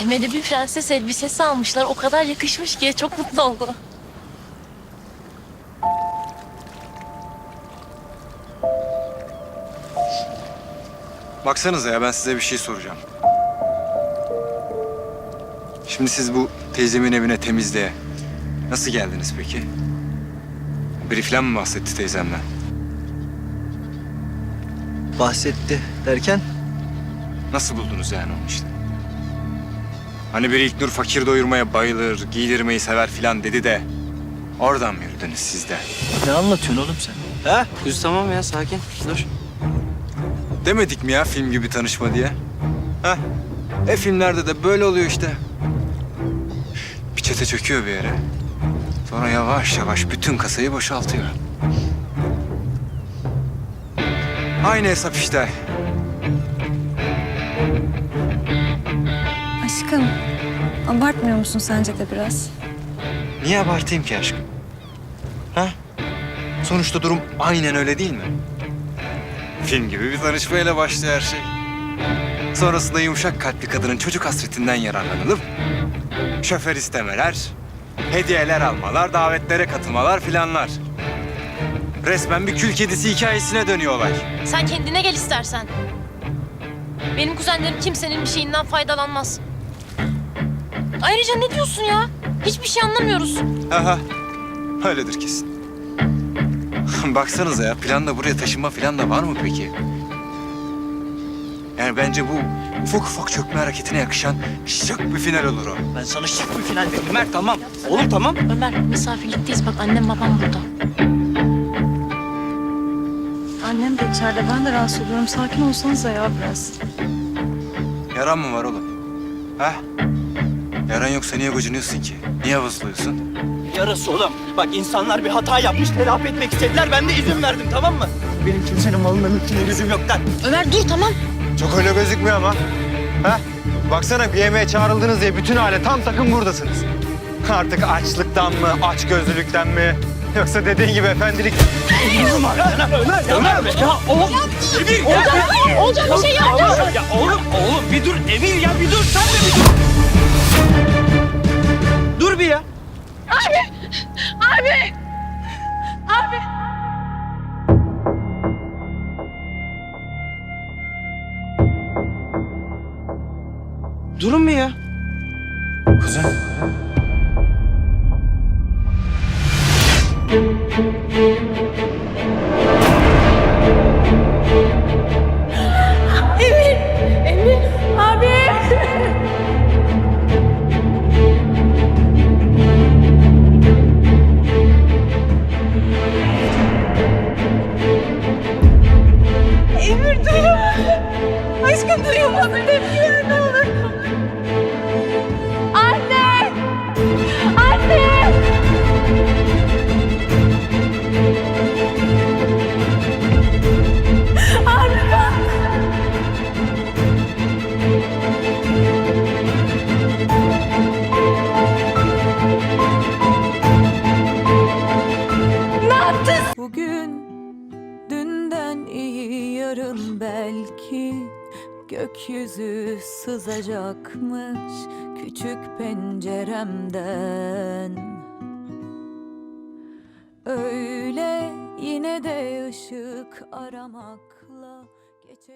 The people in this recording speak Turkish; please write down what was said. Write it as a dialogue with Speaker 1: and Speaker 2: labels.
Speaker 1: Emel'e bir prenses elbisesi almışlar. O kadar yakışmış ki çok mutlu oldu.
Speaker 2: Baksanıza ya ben size bir şey soracağım. Şimdi siz bu teyzemin evine temizliğe nasıl geldiniz peki? Biri falan mı bahsetti teyzemden?
Speaker 3: Bahsetti derken?
Speaker 2: Nasıl buldunuz yani onu işte? Hani biri İlknur fakir doyurmaya bayılır, giydirmeyi sever filan dedi de... Oradan mı yürüdünüz siz de?
Speaker 3: Ne anlatıyorsun oğlum sen? Ha?
Speaker 4: Kuz tamam ya sakin. Dur.
Speaker 2: Demedik mi ya film gibi tanışma diye? Ha? Filmlerde de böyle oluyor işte. Bir çete çöküyor bir yere. Sonra yavaş yavaş bütün kasayı boşaltıyor. Aynı hesap işte.
Speaker 5: Aşkım, abartmıyor musun sence de biraz?
Speaker 2: Niye abartayım ki aşkım? Ha? Sonuçta durum aynen öyle değil mi? Film gibi bir tanışmayla başlıyor her şey. Sonrasında yumuşak kalpli kadının çocuk hasretinden yararlanılıp... şoför istemeler, hediyeler almalar, davetlere katılmalar filanlar. Resmen bir kül kedisi hikayesine dönüyor olay.
Speaker 1: Sen kendine gel istersen. Benim kuzenlerim kimsenin bir şeyinden faydalanmaz. Ayrıca ne diyorsun ya? Hiçbir şey anlamıyoruz.
Speaker 2: Aha, öyledir kesin. Baksanıza ya, planda buraya taşınma falan da var mı peki? Yani bence bu ufak ufak çökme hareketine yakışan şık bir final olur o.
Speaker 3: Ben sana şık bir final vereyim Mert, tamam. Oğlum tamam.
Speaker 1: Ömer misafirlikteyiz bak annem babam burada.
Speaker 5: Annem de içeride, ben de rahatsız oluyorum. Sakin olsanıza ya biraz.
Speaker 2: Yaran mı var oğlum? Ha? Yaran yoksa niye gocunuyorsun ki? Niye vızlıyorsun?
Speaker 3: Yarası oğlum. Bak insanlar bir hata yapmış, telafi etmek istediler. Ben de izin verdim, tamam mı? Benim kimsenin malına mülküne lüzum yok lan.
Speaker 1: Ömer dur tamam.
Speaker 2: Çok öyle gözükmüyor ama. Ha? Baksana bir yemeğe çağrıldınız diye bütün aile tam takım buradasınız. Artık açlıktan mı, açgözlülükten mi? Yoksa dediğin gibi efendilik...
Speaker 3: Ömer! Ya oğlum! Emir ya!
Speaker 1: Olacak bir şey yapacağız.
Speaker 3: Ya oğlum bir dur Emir ya bir dur sen de bir dur. Dur bir ya.
Speaker 1: Abi!
Speaker 4: Durun mu ya?
Speaker 2: Kuzen.
Speaker 1: Emir! Abi! Emir duyuyor. Aşkım duyuyor musun? Emir ne olur. Anne! Anne! Abi bak! Ne yaptın?
Speaker 6: Bugün dünden iyi yarın belki gökyüzü sızacakmış küçük penceremden. Öyle yine de ışık aramakla